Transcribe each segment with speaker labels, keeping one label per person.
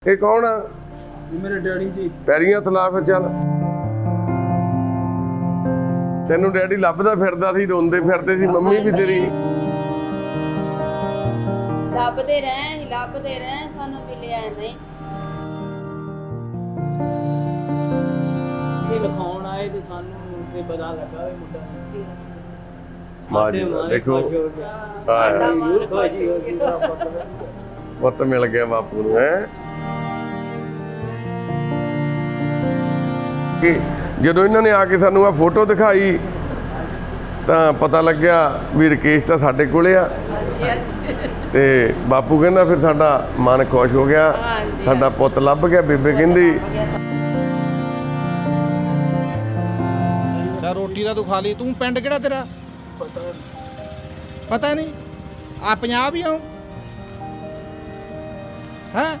Speaker 1: ਇਹ ਕੌਣ ਆ?
Speaker 2: ਮੇਰੇ ਡੈਡੀ ਜੀ।
Speaker 1: ਪੈਰੀਆਂ ਥਲਾ ਫਿਰ ਚੱਲ। ਤੈਨੂੰ ਡੈਡੀ ਲੱਭਦਾ ਫਿਰਦਾ ਸੀ, ਰੋਂਦੇ ਫਿਰਦੇ ਸੀ ਮੰਮੀ ਵੀ ਤੇਰੀ।
Speaker 3: ਲੱਭਦੇ ਰਹੇ ਸਾਨੂੰ ਮਿਲਿਆ ਨਹੀਂ।
Speaker 2: ਇਹ ਲਿਖਾਉਣ ਆਏ ਤੇ ਸਾਨੂੰ ਤੇ ਪਤਾ ਲੱਗਾ ਵੀ ਮੁੰਡਾ
Speaker 1: ਮਾਂ ਜੀ ਦੇਖੋ ਪੁੱਤ ਮਿਲ ਗਿਆ ਬਾਪੂ ਨੂੰ। ਹੈ ਜਦੋਂ ਇਹਨਾਂ ਨੇ ਆ ਕੇ ਸਾਨੂੰ ਆ ਫੋਟੋ ਦਿਖਾਈ ਤਾਂ ਪਤਾ ਲੱਗਿਆ ਵੀ ਰਕੇਸ਼ ਤਾਂ ਸਾਡੇ ਕੋਲੇ ਆ। ਤੇ ਬਾਪੂ ਕਹਿੰਦਾ ਫਿਰ ਸਾਡਾ ਮਨ ਖੁਸ਼ ਹੋ ਗਿਆ, ਸਾਡਾ ਪੁੱਤ ਲੱਭ ਗਿਆ। ਬੇਬੇ ਕਹਿੰਦੀ
Speaker 4: ਚਾ ਰੋਟੀ ਦਾ ਤੂੰ ਖਾ ਲਈ। ਤੂੰ ਪਿੰਡ ਕਿਹੜਾ ਤੇਰਾ ਪਤਾ ਨਹੀਂ? ਆ ਪੰਜਾਬ ਹੀ ਆ ਹੈਂ?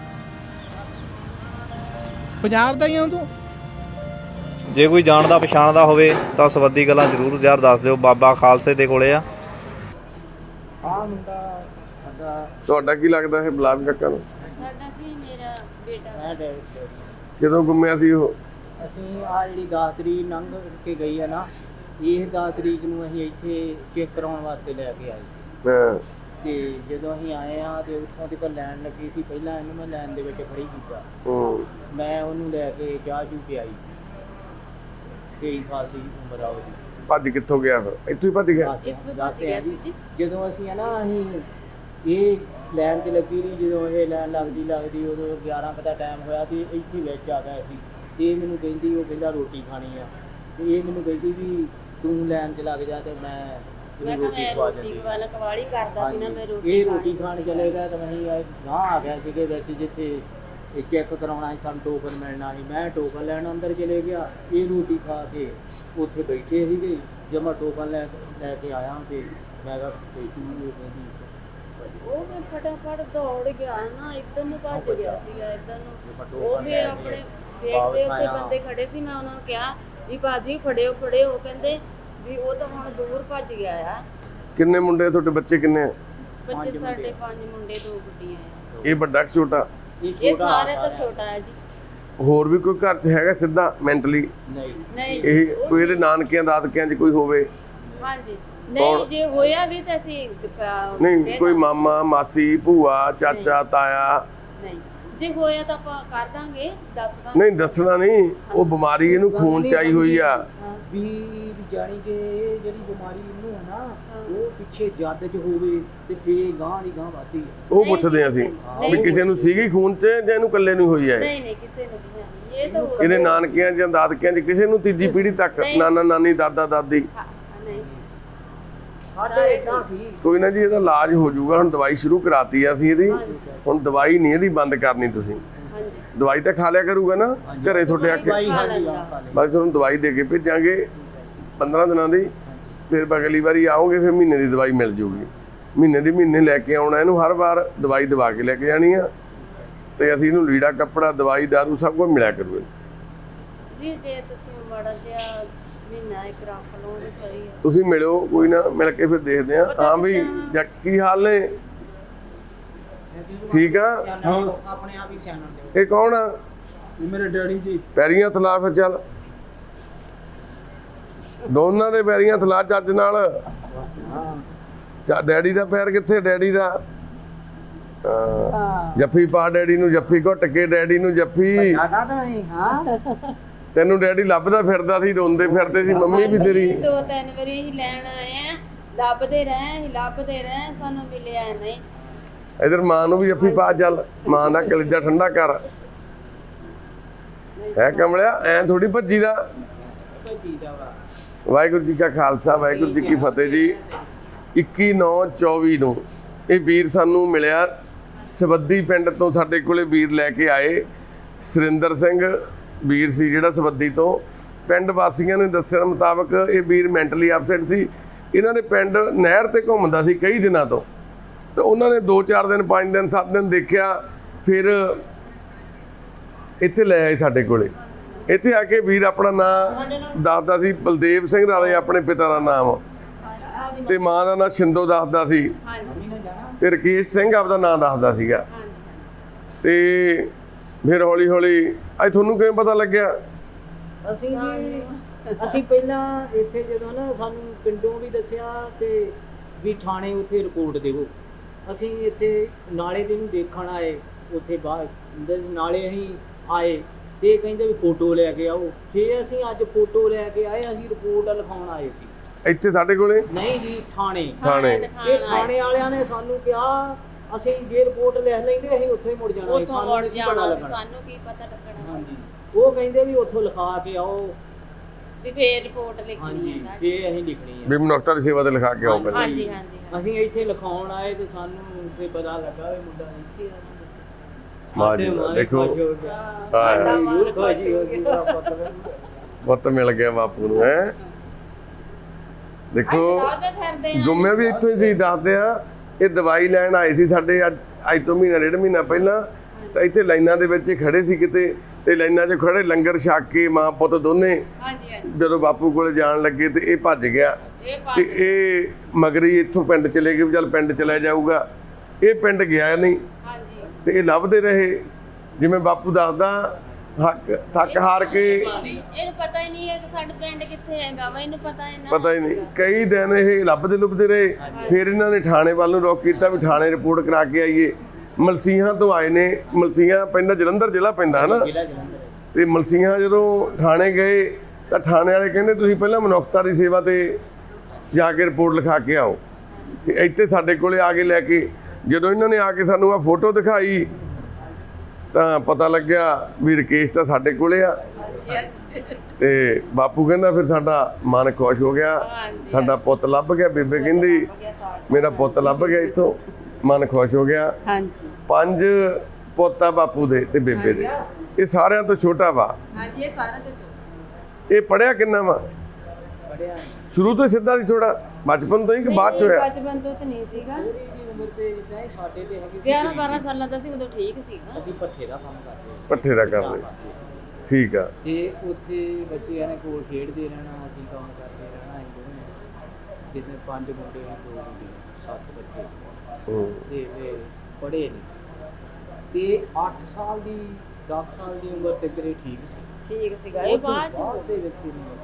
Speaker 4: ਪੰਜਾਬ ਦਾ ਹੀ ਆ ਤੂੰ?
Speaker 5: ਜੇ ਕੋਈ ਜਾਣਦਾ ਪਛਾਣਦਾ ਹੋਵੇ ਤਾਂ ਸਵੱਦੀ ਗੱਲਾਂ ਜ਼ਰੂਰ ਯਾਰ ਦੱਸ ਦਿਓ। ਬਾਬਾ ਖਾਲਸੇ ਦੇ ਕੋਲੇ ਆ।
Speaker 2: ਮੁੰਡਾ ਸਾਡਾ
Speaker 1: ਤੁਹਾਡਾ ਕੀ ਲੱਗਦਾ ਹੈ ਬਲਾਬ ਕੱਕਾ ਨੂੰ?
Speaker 3: ਸਾਡਾ ਕੀ ਮੇਰਾ ਬੇਟਾ
Speaker 2: ਮੈਂ ਡੈਡੀ।
Speaker 1: ਕਦੋਂ ਗੁੰਮਿਆ ਸੀ ਉਹ?
Speaker 2: ਅਸੀਂ ਆ ਜਿਹੜੀ 10 ਤਰੀਕ ਲੰਘ ਕੇ ਗਈ ਹੈ ਨਾ, ਇਹ 10 ਤਰੀਕ ਨੂੰ ਅਸੀਂ ਇੱਥੇ ਚੈੱਕ ਕਰਾਉਣ ਵਾਸਤੇ ਲੈ ਕੇ ਆਏ ਸੀ।
Speaker 1: ਹਾਂ
Speaker 2: ਤੇ ਜਦੋਂ ਅਸੀਂ ਆਏ ਆ ਤੇ ਉੱਥੋਂ ਤੱਕ ਲੈਣ ਲੱਗੀ ਸੀ। ਪਹਿਲਾਂ ਇਹਨੂੰ ਮੈਂ ਲੈਣ ਦੇ ਵਿੱਚ ਖੜੀ ਕੀਤਾ। ਮੈਂ ਉਹਨੂੰ ਲੈ ਕੇ ਚਾਹ ਚੂ ਪਿਆਈ। 23 ਸਾਲ ਦੀ ਉਮਰ ਆ ਉਹਦੀ।
Speaker 1: ਭੱਜ ਕਿੱਥੋਂ ਗਿਆ ਫਿਰ? ਇੱਥੋਂ ਹੀ ਭੱਜ ਗਿਆ।
Speaker 2: ਦੱਸਦੇ ਆ ਜੀ ਜਦੋਂ ਅਸੀਂ ਹੈ ਨਾ ਅਸੀਂ ਇਹ ਲੈਣ ਤੇ ਲੱਗੀ ਰਹੀ। ਜਦੋਂ ਇਹ ਲੈਣ ਲੱਗਦੀ ਉਦੋਂ 11 ਕੁ ਦਾ ਟਾਈਮ ਹੋਇਆ ਤੇ ਇੱਥੇ ਵਿੱਚ ਆ ਗਿਆ ਸੀ। ਇਹ ਮੈਨੂੰ ਕਹਿੰਦੀ, ਉਹ ਕਹਿੰਦਾ ਰੋਟੀ ਖਾਣੀ ਆ। ਤੇ ਇਹ ਮੈਨੂੰ ਕਹਿੰਦੀ ਵੀ ਤੂੰ ਲੈਣ 'ਚ ਲੱਗ ਜਾ ਤੇ ਮੈਂ ਰੋਟੀ ਖਵਾ ਦਿੰਦੀ।
Speaker 3: ਕਵਾਲੀ ਕਰਦਾ ਸੀ ਨਾ ਮੈਂ ਰੋਟੀ।
Speaker 2: ਇਹ ਰੋਟੀ ਖਾਣ ਚਲੇ ਗਿਆ ਤਾਂ ਅਸੀਂ ਗਾਂ ਆ ਗਿਆ ਸੀਗੇ ਵਿੱਚ, ਜਿੱਥੇ ਇਹ ਚੈੱਕ ਕਰਾਉਣਾ ਸੀ, ਸਾਨੂੰ ਟੋਕਨ ਮਿਲਣਾ ਸੀ। ਮੈਂ ਟੋਕਨ ਲੈਣ ਅੰਦਰ ਚਲੇ ਗਿਆ। ਇਹ ਰੋਟੀ ਖਾ ਕੇ ਉੱਥੇ ਬੈਠੇ ਸੀਗੇ। ਜਦ ਮੈਂ ਟੋਕਨ ਲੈ ਕੇ ਆਇਆ ਤੇ ਮੈਂ ਕਿਹਾ ਕਹਿੰਦੀ
Speaker 3: ਉਹ ਮੈਂ ਫਟਾਫਟ ਦੌੜ ਗਿਆ ਨਾ, ਇੱਧਰ ਨੂੰ ਭੱਜ ਗਿਆ ਸੀਗਾ ਇੱਧਰ ਨੂੰ। ਉਹ ਵੀ ਆਪਣੇ ਗੇਟ ਦੇ ਉੱਤੇ ਬੰਦੇ ਖੜੇ ਸੀ। ਮੈਂ ਉਹਨਾਂ ਨੂੰ ਕਿਹਾ ਵੀ ਬਾਜੀ ਫੜਿਓ। ਉਹ ਕਹਿੰਦੇ ਵੀ ਉਹ ਤਾਂ ਹੁਣ ਦੂਰ ਭੱਜ ਗਿਆ ਆ।
Speaker 1: ਕਿੰਨੇ ਮੁੰਡੇ ਤੁਹਾਡੇ? ਬੱਚੇ ਕਿੰਨੇ ਆ?
Speaker 3: ਬੱਚੇ ਸਾਡੇ 5 ਮੁੰਡੇ 2 ਗੁੱਡੀਆਂ ਆ।
Speaker 1: ਇਹ ਵੱਡਾ ਕਿ ਛੋਟਾ?
Speaker 3: ਇਹ ਸਾਰੇ ਤਾਂ ਛੋਟਾ ਹੈ ਜੀ।
Speaker 1: ਹੋਰ ਵੀ ਕੋਈ ਘਰ 'ਚ ਹੈਗਾ ਸਿੱਧਾ ਮੈਂਟਲੀ?
Speaker 3: ਨਹੀਂ
Speaker 1: ਇਹ ਕੋਈ ਇਹਦੇ ਨਾਨਕਿਆਂ ਦਾਦਕਿਆਂ 'ਚ ਕੋਈ ਹੋਵੇ?
Speaker 3: ਹਾਂਜੀ ਨਹੀਂ, ਜੇ ਹੋਇਆ ਵੀ ਤਾਂ ਅਸੀਂ
Speaker 1: ਨਹੀਂ ਕੋਈ ਮਾਮਾ ਮਾਸੀ ਭੂਆ ਚਾਚਾ ਤਾਇਆ?
Speaker 3: ਨਹੀਂ, ਜੇ ਹੋਇਆ ਤਾਂ ਆਪਾਂ ਕਰ ਦਾਂਗੇ, ਦੱਸ ਦਾਂਗੇ।
Speaker 1: ਨਹੀਂ ਦੱਸਣਾ ਨਹੀਂ, ਉਹ ਬਿਮਾਰੀ ਇਹਨੂੰ ਖੂਨ ਚ ਆਈ ਹੋਈ ਆ।
Speaker 2: ਵੀ ਜਾਣੀ ਕਿ ਜਿਹੜੀ ਬਿਮਾਰੀ ਇਹਨੂੰ ਹੈ ਨਾ, ਉਹ ਪਿੱਛੇ ਜੱਦ 'ਚ ਹੋਵੇ ਤੇ ਫੇਰ ਗਾਂ ਦੀ ਗਾਂ ਵੱਧਦੀ ਹੈ।
Speaker 1: ਉਹ ਪੁੱਛਦੇ ਅਸੀਂ ਵੀ ਕਿਸੇ ਨੂੰ ਸੀਗੀ ਖੂਨ ਚ ਜਾਂ ਇਹਨੂੰ ਇਕੱਲੇ ਨੂੰ ਹੋਈ ਹੈ?
Speaker 3: ਨਹੀਂ ਕਿਸੇ ਨੂੰ ਨਹੀਂ। ਇਹ ਤਾਂ
Speaker 1: ਇਹਦੇ ਨਾਨਕਿਆਂ ਜਾਂ ਦਾਦਕਿਆਂ 'ਚ ਕਿਸੇ ਨੂੰ ਤੀਜੀ ਪੀੜ੍ਹੀ ਤੱਕ ਨਾਨਾ ਨਾਨੀ ਦਾਦਾ ਦਾਦੀ?
Speaker 3: ਨਹੀਂ
Speaker 2: ਸਾਡੇ ਇਦਾਂ ਸੀ।
Speaker 1: ਕੋਈ ਨਾ ਜੀ, ਇਹਦਾ ਇਲਾਜ ਹੋ ਜਾਊਗਾ। ਹੁਣ ਦਵਾਈ ਸ਼ੁਰੂ ਕਰਾਤੀ ਆ ਅਸੀਂ ਇਹਦੀ। ਹੁਣ ਦਵਾਈ ਨਹੀਂ ਇਹਦੀ ਬੰਦ ਕਰਨੀ ਤੁਸੀਂ। ਦਵਾਈ ਤਾਂ ਖਾ ਲਿਆ ਕਰੂਗਾ ਨਾ ਘਰੇ ਤੁਹਾਡੇ ਆ ਕੇ। ਬਸ ਤੁਹਾਨੂੰ ਦਵਾਈ ਦੇ ਕੇ ਭੇਜਾਂਗੇ 15 ਦਿਨਾਂ ਦੀ। ਫਿਰ ਅਗਲੀ ਵਾਰੀ ਆਓਗੇ ਫਿਰ ਮਹੀਨੇ ਦੀ ਦਵਾਈ ਮਿਲ ਜੂਗੀ। ਮਹੀਨੇ ਲੈ ਕੇ ਆਉਣਾ ਇਹਨੂੰ। ਹਰ ਵਾਰ ਦਵਾਈ ਦਵਾ ਕੇ ਲੈ ਕੇ ਜਾਣੀ ਆ। ਤੇ ਅਸੀਂ ਇਹਨੂੰ ਲੀੜਾ ਕੱਪੜਾ ਦਵਾਈ ਦਾਰੂ ਸਭ ਕੁਝ ਮਿਲਿਆ ਕਰੂਗਾ
Speaker 3: ਜੀ। ਜੇ ਤੁਸੀਂ ਮਾੜਾ ਜਿਹਾ ਮਹੀਨਾ ਇੱਕ ਰੱਖ ਲਓ ਤੇ ਸਹੀ ਹੈ।
Speaker 1: ਤੁਸੀਂ ਮਿਲਿਓ, ਕੋਈ ਨਾ, ਮਿਲ ਕੇ ਫਿਰ ਦੇਖਦੇ ਆ। ਹਾਂ ਵੀ ਕੀ ਹਾਲ ਨੇ? ਠੀਕ ਆ।
Speaker 2: ਆਪਣੇ ਆਪ ਹੀ ਸਿਆਣਨ ਦਿਓ।
Speaker 1: ਇਹ ਕੌਣ ਆ?
Speaker 2: ਮੇਰੇ ਡੈਡੀ ਜੀ।
Speaker 1: ਪੈਰੀਆਂ ਥਲਾ ਫਿਰ ਚੱਲ। ਦੋਨਾਂ ਦੇ ਪੈਰੀਆਂ ਥਲਾ ਚੱਜ ਨਾਲ। ਡੈਡੀ ਦਾ ਪੈਰ ਕਿੱਥੇ? ਡੈਡੀ ਦਾ ਜੱਫੀ ਪਾ ਡੈਡੀ ਨੂੰ, ਜੱਫੀ ਘੁੱਟ ਕੇ ਡੈਡੀ ਨੂੰ ਜੱਫੀ। ਤੈਨੂੰ ਡੈਡੀ ਲੱਭਦਾ ਫਿਰਦਾ ਸੀ, ਰੋਂਦੇ ਫਿਰਦੇ ਸੀ ਮੰਮੀ ਵੀ ਤੇਰੀ।
Speaker 3: 2-3 ਵਾਰੀ ਅਸੀਂ ਲੈਣ ਆਏ ਆ। ਲੱਭਦੇ ਰਹੇ ਸਾਨੂੰ ਮਿਲਿਆ ਨਹੀਂ।
Speaker 1: ਇਧਰ ਮਾਂ ਨੂੰ ਵੀ ਜੱਫੀ ਪਾ ਚੱਲ। ਮਾਂ ਦਾ ਕਲੇਜਾ ਠੰਡਾ ਕਰ। ਹੈ ਕਮਲਿਆ, ਐ ਥੋੜੀ ਭੱਜੀ ਦਾ। ਵਾਹਿਗੁਰੂ ਜੀ ਕਾ ਖਾਲਸਾ, ਵਾਹਿਗੁਰੂ ਜੀ ਕੀ ਫਤਿਹ ਜੀ। 21/9/24 ਨੂੰ ਇਹ ਵੀਰ ਸਾਨੂੰ ਮਿਲਿਆ। ਸਬੱਦੀ ਪਿੰਡ ਤੋਂ ਸਾਡੇ ਕੋਲੇ ਵੀਰ ਲੈ ਕੇ ਆਏ। ਸੁਰਿੰਦਰ ਸਿੰਘ ਵੀਰ ਸੀ ਜਿਹੜਾ ਸਬੱਦੀ ਤੋਂ। ਪਿੰਡ ਵਾਸੀਆਂ ਨੇ ਦੱਸਣ ਮੁਤਾਬਕ ਇਹ ਵੀਰ ਮੈਂਟਲੀ ਅਪਸੈਟ ਸੀ। ਇਹਨਾਂ ਦੇ ਪਿੰਡ ਨਹਿਰ ਤੇ ਘੁੰਮਦਾ ਸੀ ਕਈ ਦਿਨਾਂ ਤੋਂ। ਤੇ ਉਹਨਾਂ ਨੇ 2-4 ਦਿਨ 5 ਦਿਨ 7 ਦਿਨ ਦੇਖਿਆ। ਫਿਰ ਇੱਥੇ ਲੈ ਆਏ ਸਾਡੇ ਕੋਲੇ। ਇੱਥੇ ਆ ਕੇ ਵੀਰ ਆਪਣਾ ਨਾਂ ਦੱਸਦਾ ਸੀ। ਬਲਦੇਵ ਸਿੰਘ ਦਾ ਆਪਣੇ ਪਿਤਾ ਦਾ ਨਾਮ, ਤੇ ਮਾਂ ਦਾ ਨਾਂ ਸ਼ਿੰਦੋ ਦੱਸਦਾ ਸੀ। ਤੇ ਰਕੇਸ਼ ਸਿੰਘ ਆਪਦਾ ਨਾਂ ਦੱਸਦਾ ਸੀਗਾ। ਤੇ ਫਿਰ ਹੌਲੀ ਹੌਲੀ ਅੱਜ ਤੁਹਾਨੂੰ ਕਿਵੇਂ ਪਤਾ ਲੱਗਿਆ?
Speaker 2: ਅਸੀਂ ਪਹਿਲਾਂ ਇੱਥੇ ਜਦੋਂ ਨਾ ਸਾਨੂੰ ਪਿੰਡੋਂ ਵੀ ਦੱਸਿਆ ਤੇ ਵੀ ਥਾਣੇ ਉੱਥੇ ਰਿਪੋਰਟ ਦੇਵੋ। ਅਸੀਂ ਇੱਥੇ ਨਾਲੇ ਦੇ ਨੂੰ ਦੇਖਣ ਆਏ, ਉੱਥੇ ਬਾਹਰ ਨਾਲੇ ਅਸੀਂ ਆਏ ਤੇ ਕਹਿੰਦੇ ਵੀ ਫੋਟੋ ਲੈ ਕੇ ਆਓ। ਫਿਰ ਅਸੀਂ ਅੱਜ ਫੋਟੋ ਲੈ ਕੇ ਆਏ, ਅਸੀਂ ਰਿਪੋਰਟ ਲਿਖਾਉਣ ਆਏ ਸੀ
Speaker 1: ਇੱਥੇ ਸਾਡੇ ਕੋਲੇ?
Speaker 2: ਨਹੀਂ ਜੀ, ਥਾਣੇ।
Speaker 1: ਥਾਣੇ
Speaker 2: ਇਹ ਥਾਣੇ ਵਾਲਿਆਂ ਨੇ ਸਾਨੂੰ ਕਿਹਾ ਅਸੀਂ ਜੇ ਰਿਪੋਰਟ ਲਿਖ ਲੈਂਦੇ ਅਸੀਂ ਉੱਥੇ ਹੀ ਮੁੜ ਜਾਣਾ ਸੀ, ਸਾਨੂੰ ਨਹੀਂ ਸੀ ਪਤਾ ਲੱਗਣਾ।
Speaker 3: ਸਾਨੂੰ ਕੀ ਪਤਾ ਲੱਗਣਾ।
Speaker 2: ਹਾਂਜੀ, ਉਹ ਕਹਿੰਦੇ ਵੀ ਉੱਥੋਂ ਲਿਖਾ ਕੇ ਆਓ
Speaker 3: ਵੀ ਫੇਰ ਰਿਪੋਰਟ ਲਿਖਣੀ
Speaker 2: ਹਾਂਜੀ,
Speaker 3: ਹੈ
Speaker 2: ਇਹ ਅਸੀਂ ਲਿਖਣੀ ਹੈ।
Speaker 1: ਵੀ ਮਨੁੱਖਤਾ ਦੀ ਸੇਵਾ ਤੇ ਲਿਖਾ ਕੇ ਆਓ ਪਹਿਲਾਂ।
Speaker 3: ਹਾਂਜੀ ਹਾਂਜੀ
Speaker 2: ਅਸੀਂ ਇੱਥੇ ਲਿਖਾਉਣ ਆਏ ਤੇ ਸਾਨੂੰ ਫਿਰ ਪਤਾ ਲੱਗਾ ਵੀ ਮੁੰਡਾ ਇੱਥੇ ਆ।
Speaker 1: ਵਾਹ ਜੀ ਵਾਹ, ਦੇਖੋ ਪੁੱਤ ਮਿਲ ਗਿਆ ਬਾਪੂ ਨੂੰ ਹੈ। ਦੇਖੋ
Speaker 3: ਫਿਰਦੇ
Speaker 1: ਗੁੰਮੇ ਵੀ ਇੱਥੋਂ ਹੀ ਸੀ, ਦੱਸਦੇ ਆ। ਇਹ ਦਵਾਈ ਲੈਣ ਆਏ ਸੀ ਸਾਡੇ ਅੱਜ ਤੋਂ ਮਹੀਨਾ ਡੇਢ ਮਹੀਨਾ ਪਹਿਲਾਂ, ਤਾਂ ਇੱਥੇ ਲਾਈਨਾਂ ਦੇ ਵਿੱਚ ਖੜੇ ਸੀ ਕਿਤੇ, ਤੇ ਲਾਈਨਾਂ 'ਚ ਖੜੇ ਲੰਗਰ ਛਕ ਕੇ ਮਾਂ ਪੁੱਤ ਦੋਨੇ
Speaker 3: ਹਾਂਜੀ ਹਾਂਜੀ
Speaker 1: ਜਦੋਂ ਬਾਪੂ ਕੋਲੇ ਜਾਣ ਲੱਗੇ ਤੇ ਇਹ ਭੱਜ ਗਿਆ ਤੇ ਇਹ ਮਗਰੀ ਇੱਥੋਂ ਪਿੰਡ ਚਲੇ ਗਏ ਵੀ ਚੱਲ ਪਿੰਡ ਚਲਾ ਜਾਊਗਾ। ਇਹ ਪਿੰਡ ਗਿਆ ਨਹੀਂ
Speaker 3: ਹਾਂਜੀ
Speaker 1: ਤੇ ਇਹ ਲੱਭਦੇ ਰਹੇ। ਜਿਵੇਂ ਬਾਪੂ ਦੱਸਦਾ ਥੱਕ ਹਾਰ ਕੇ,
Speaker 3: ਇਹਨੂੰ ਪਤਾ ਹੀ ਨਹੀਂ ਹੈ ਕਿ ਸਾਡਾ ਪਿੰਡ ਕਿੱਥੇ ਹੈਗਾ ਵਾ, ਇਹਨੂੰ ਪਤਾ ਹੈ ਨਾ।
Speaker 1: ਪਤਾ ਹੀ ਨਹੀਂ, ਕਈ ਦਿਨ ਇਹ ਲੱਭਦੇ ਰਹੇ। ਫਿਰ ਇਹਨਾਂ ਨੇ ਥਾਣੇ ਵੱਲ ਨੂੰ ਰੁਖ ਕੀਤਾ ਵੀ ਥਾਣੇ ਰਿਪੋਰਟ ਕਰਾ ਕੇ ਆਈਏ। ਮਲਸੀਹਾਂ ਤੋਂ ਆਏ ਨੇ, ਮਲਸੀਹਾਂ ਪੈਂਦਾ ਜਲੰਧਰ ਜ਼ਿਲ੍ਹਾ ਪੈਂਦਾ ਹਨਾ, ਤੇ ਮਲਸੀਹਾਂ ਜਦੋਂ ਥਾਣੇ ਗਏ ਤਾਂ ਥਾਣੇ ਵਾਲੇ ਕਹਿੰਦੇ ਤੁਸੀਂ ਪਹਿਲਾਂ ਮਨੁੱਖਤਾ ਦੀ ਸੇਵਾ ਤੇ ਜਾ ਕੇ ਰਿਪੋਰਟ ਲਿਖਾ ਕੇ ਆਓ। ਤੇ ਇੱਥੇ ਸਾਡੇ ਕੋਲੇ ਆ ਕੇ ਲੈ ਕੇ ਜਦੋਂ ਇਹਨਾਂ ਨੇ ਆ ਕੇ ਸਾਨੂੰ ਆ ਫੋਟੋ ਦਿਖਾਈ ਤਾਂ ਪਤਾ ਲੱਗਿਆ ਵੀ ਰਕੇਸ਼ ਤਾਂ ਸਾਡੇ ਕੋਲੇ ਆ। ਤੇ ਬਾਪੂ ਕਹਿੰਦਾ ਫਿਰ ਸਾਡਾ ਮਨ ਖੁਸ਼ ਹੋ ਗਿਆ, ਸਾਡਾ ਪੁੱਤ ਲੱਭ ਗਿਆ। ਬੇਬੇ ਕਹਿੰਦੀ ਮੇਰਾ ਪੁੱਤ ਲੱਭ ਗਿਆ, ਇੱਥੋਂ ਮਨ ਖੁਸ਼ ਹੋ ਗਿਆ।
Speaker 3: ਹਾਂਜੀ
Speaker 1: 5 ਪੁੱਤ ਆ ਬਾਪੂ ਦੇ ਤੇ ਬੇਬੇ ਦੇ, ਇਹ ਸਾਰਿਆਂ ਤੋਂ ਛੋਟਾ ਵਾ।
Speaker 3: ਹਾਂਜੀ ਇਹ ਸਾਰਾ ਤੇ
Speaker 1: ਇਹ ਪੜਿਆ ਕਿੰਨਾ ਵਾ?
Speaker 2: ਪੜਿਆ
Speaker 1: ਸ਼ੁਰੂ ਤੋਂ ਸਿੱਧਾ ਨਹੀਂ, ਥੋੜਾ ਬਚਪਨ ਤੋਂ ਹੀ ਕਿ ਬਾਅਦ ਚ ਹੋਇਆ?
Speaker 3: ਬਚਪਨ ਤੋਂ ਤਾਂ ਨਹੀਂ ਸੀਗਾ,
Speaker 2: ਥੋੜੀ ਜੀ ਉਮਰ ਤੇ ਜਿੱਦਾਂ ਸਾਡੇ ਤੇ ਹੈਗੀ ਸੀ।
Speaker 3: 11 12 ਸਾਲਾਂ ਦਾ ਸੀ ਉਦੋਂ ਠੀਕ ਸੀਗਾ।
Speaker 2: ਅਸੀਂ ਭੱਠੇ ਦਾ ਕੰਮ ਕਰਦੇ
Speaker 1: ਪੱਠੇ ਦਾ ਕਰਦੇ, ਠੀਕ ਆ।
Speaker 2: ਤੇ ਉੱਥੇ ਬੱਚਿਆਂ ਨੇ ਕੋਲ ਖੇਡਦੇ ਰਹਿਣਾ, ਅਸੀਂ ਕੰਮ ਕਰਦੇ ਰਹਿਣਾ। ਅਸੀਂ ਦੋਵੇਂ ਜਿੱਦਾਂ 5 ਮੁੰਡੇ ਆ 2 ਕੁੜੀਆਂ, 7 ਬੱਚੇ ਤੇ ਫਿਰ ਪੜ੍ਹੇ ਨਹੀਂ। ਤੇ 8 ਸਾਲ ਦੀ 10 ਸਾਲ ਦੀ ਉਮਰ ਤੱਕ ਇਹ ਠੀਕ ਸੀ।
Speaker 3: ਠੀਕ ਸੀਗਾ, ਇਹ ਬਾਅਦ ਚ
Speaker 2: ਦੇ ਵਿੱਚ ਹੀ ਨਹੀਂ।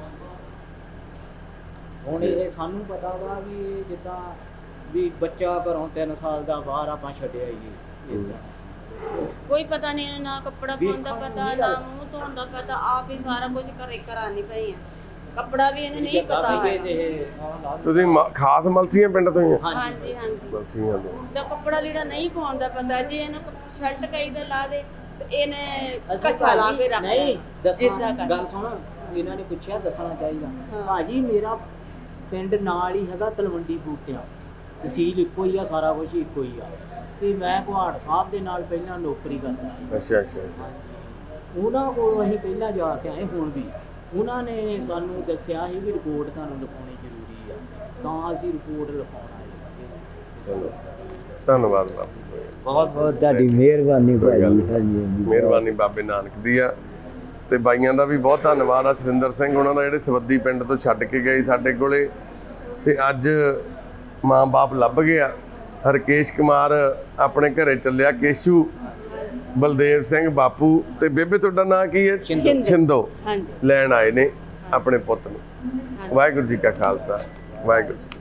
Speaker 2: ਹੁਣ ਇਹ ਸਾਨੂੰ ਪਤਾ ਵਾ ਵੀ ਇਹ ਜਿੱਦਾਂ ਵੀ ਬੱਚਾ ਘਰੋਂ 3 ਸਾਲ ਦਾ ਬਾਹਰ ਆਪਾਂ ਛੱਡਿਆ ਹੀ
Speaker 3: ਕੋਈ ਪਤਾ ਨਹੀਂ, ਇਹਨੂੰ ਨਾ ਕੱਪੜਾ ਪਾਉਣ ਦਾ ਪਤਾ, ਨਾ ਮੂੰਹ ਧੋਣ ਦਾ ਪਤਾ, ਆਪ ਹੀ ਸਾਰਾ ਕੁਝ ਘਰੇ ਕਰਾਣੀ ਪਈ ਆ। ਕੱਪੜਾ ਵੀ ਇਹਨੂੰ ਨਹੀਂ ਪਤਾ ਹੈ।
Speaker 1: ਤੁਸੀਂ ਖਾਸ ਮਲਸੀਆਂ ਪਿੰਡ ਤੋਂ ਹੀ ਆ?
Speaker 3: ਹਾਂਜੀ ਹਾਂਜੀ
Speaker 1: ਮਲਸੀਆਂ ਤੋਂ।
Speaker 3: ਦਾ ਕੱਪੜਾ ਲੀੜਾ ਨਹੀਂ ਪਾਉਣ ਦਾ ਪਤਾ, ਜੇ ਇਹਨੂੰ ਸ਼ਰਟ ਕਈ ਦਾ ਲਾ ਦੇ ਤੇ ਇਹਨੇ ਕੱਚਾ ਲਾ ਕੇ ਰੱਖ
Speaker 2: ਨਹੀਂ
Speaker 3: ਜਿੱਦਾਂ ਕਰ।
Speaker 2: ਗੱਲ ਸੁਣ, ਇਹਨਾਂ ਨੇ ਪੁੱਛਿਆ ਦੱਸਣਾ ਚਾਹੀਦਾ। ਭਾਜੀ ਮੇਰਾ ਪਿੰਡ ਨਾਲ ਹੀ ਹੈਗਾ ਤਲਵੰਡੀ ਬੂਟਿਆਂ, ਤਹਿਸੀਲ ਇੱਕੋ ਹੀ ਆ, ਸਾਰਾ ਕੁਝ ਇੱਕੋ ਹੀ ਆ। ਤੇ ਮੈਂ ਕੁਹਾੜ ਸਾਹਿਬ ਦੇ ਨਾਲ ਪਹਿਲਾਂ ਨੌਕਰੀ ਕਰਦਾ ਸੀ।
Speaker 1: ਅੱਛਾ ਅੱਛਾ ਅੱਛਾ।
Speaker 2: ਉਹਨਾਂ ਕੋਲ ਅਸੀਂ ਪਹਿਲਾਂ ਜਾ ਕੇ ਆਏ, ਹੁਣ ਵੀ ਉਹਨਾਂ ਨੇ ਸਾਨੂੰ ਦੱਸਿਆ ਸੀ ਵੀ ਰਿਪੋਰਟ ਤੁਹਾਨੂੰ ਲਿਖਾਉਣੀ ਜ਼ਰੂਰੀ ਆ, ਤਾਂ ਅਸੀਂ ਰਿਪੋਰਟ ਲਿਖਾਉਣ ਆਏ।
Speaker 1: ਚਲੋ ਧੰਨਵਾਦ ਬਾਪੂ,
Speaker 2: ਬਹੁਤ ਬਹੁਤ ਤੁਹਾਡੀ ਮਿਹਰਬਾਨੀ ਭਾਜੀ।
Speaker 1: ਮਿਹਰਬਾਨੀ ਬਾਬੇ ਨਾਨਕ ਦੀ ਆ। ਤੇ ਬਾਈਆਂ ਦਾ ਵੀ ਬਹੁਤ ਧੰਨਵਾਦ ਆ, ਸੁਰਿੰਦਰ ਸਿੰਘ ਉਹਨਾਂ ਦਾ, ਜਿਹੜੇ ਸਵੱਦੀ ਪਿੰਡ ਤੋਂ ਛੱਡ ਕੇ ਗਏ ਸਾਡੇ ਕੋਲੇ। ਤੇ ਅੱਜ ਮਾਂ-ਬਾਪ ਲੱਭ ਗਿਆ। ਹਰਕੇਸ਼ ਕੁਮਾਰ ਆਪਣੇ ਘਰੇ ਚੱਲਿਆ, ਕੇਸ਼ੂ, ਬਲਦੇਵ ਸਿੰਘ ਬਾਪੂ ਤੇ ਬੇਬੇ ਤੁਹਾਡਾ ਨਾਂ ਕੀ ਹੈ? ਛਿੰਦੋ।
Speaker 3: ਹਾਂਜੀ
Speaker 1: ਲੈਣ ਆਏ ਨੇ ਆਪਣੇ ਪੁੱਤ ਨੂੰ। ਵਾਹਿਗੁਰੂ ਜੀ ਕਾ ਖਾਲਸਾ, ਵਾਹਿਗੁਰੂ ਜੀ।